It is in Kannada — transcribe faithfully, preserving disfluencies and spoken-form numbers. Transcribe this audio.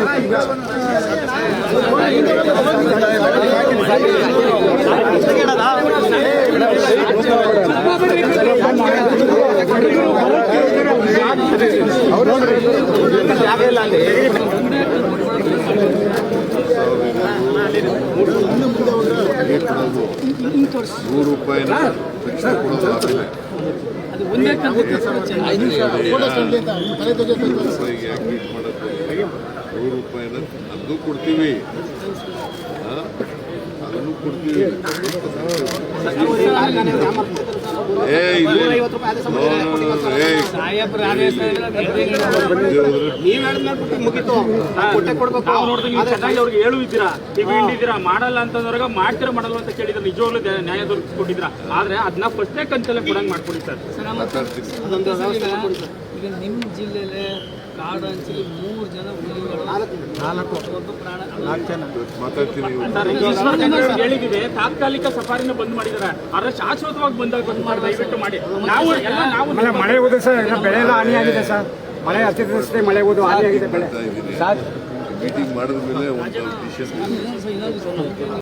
ನೂರು ರೂಪಾಯಿನ ಶಿಕ್ಷಣ ಕೊಡೋದು ಆದಮೇಲೆ ರೂಪಾಯಿಗೆ ಯಾಕೆ ಹೀಟ್ ಮಾಡೋದು? ನೂರು ರೂಪಾಯಿನ ಅದನ್ನು ಕೊಡ್ತೀವಿ, ಅದನ್ನು ಕೊಡ್ತೀವಿ. ಏ ಅವ್ರಿಗೆ ಹೇಳು ಇದ್ದೀರಾ, ಟಿವಿ ಹಿಂಡಿದ್ದೀರಾ, ಮಾಡಲ್ಲ ಅಂತಂದ್ರಾಗ ಮಾಡ್ತೀರಾ ಮಾಡಲ್ಲ ಅಂತ ಕೇಳಿದ್ರೆ ನಿಜವಾಗ್ಲೂ ನ್ಯಾಯ ದೊರಕಿಸ್ಕೊಟ್ಟಿದ್ರ. ಆದ್ರೆ ಅದನ್ನ ಫಸ್ಟ್ನೇ ಕಂತಲ್ಲೇ ಕೊಡಂಗ್ ಮಾಡ್ಕೊಡಿ ಸರ್. ಈಗ ನಿಮ್ಮ ಜಿಲ್ಲೆಯಲ್ಲಿ ಕಾಡು ಹಂಚಲಿ ಮೂರು ಜನ ಹೇಳಿದಿದೆ. ತಾತ್ಕಾಲಿಕ ಸಫಾರಿನ ಬಂದ್ ಮಾಡಿದ್ದಾರೆ, ಆದ್ರೆ ಶಾಶ್ವತವಾಗಿ ಬಂದಾಗ ಬಂದ್ ಮಾಡಿ ದಯವಿಟ್ಟು ಮಾಡಿ. ನಾವು ಎಲ್ಲ ನಾವು ಮಳೆ ಹೋದ ಸರ್, ಬೆಳೆ ಎಲ್ಲ ಹಾನಿಯಾಗಿದೆ ಸರ್. ಮಳೆ ಅತಿವೃಷ್ಟಿ ಮಳೆ ಹೋದು ಹಾನಿಯಾಗಿದೆ ಬೆಳೆ. ಮೀಟಿಂಗ್ ಮಾಡಿದ ಮೇಲೆ ಒಂದು ಡಿಸಿಷನ್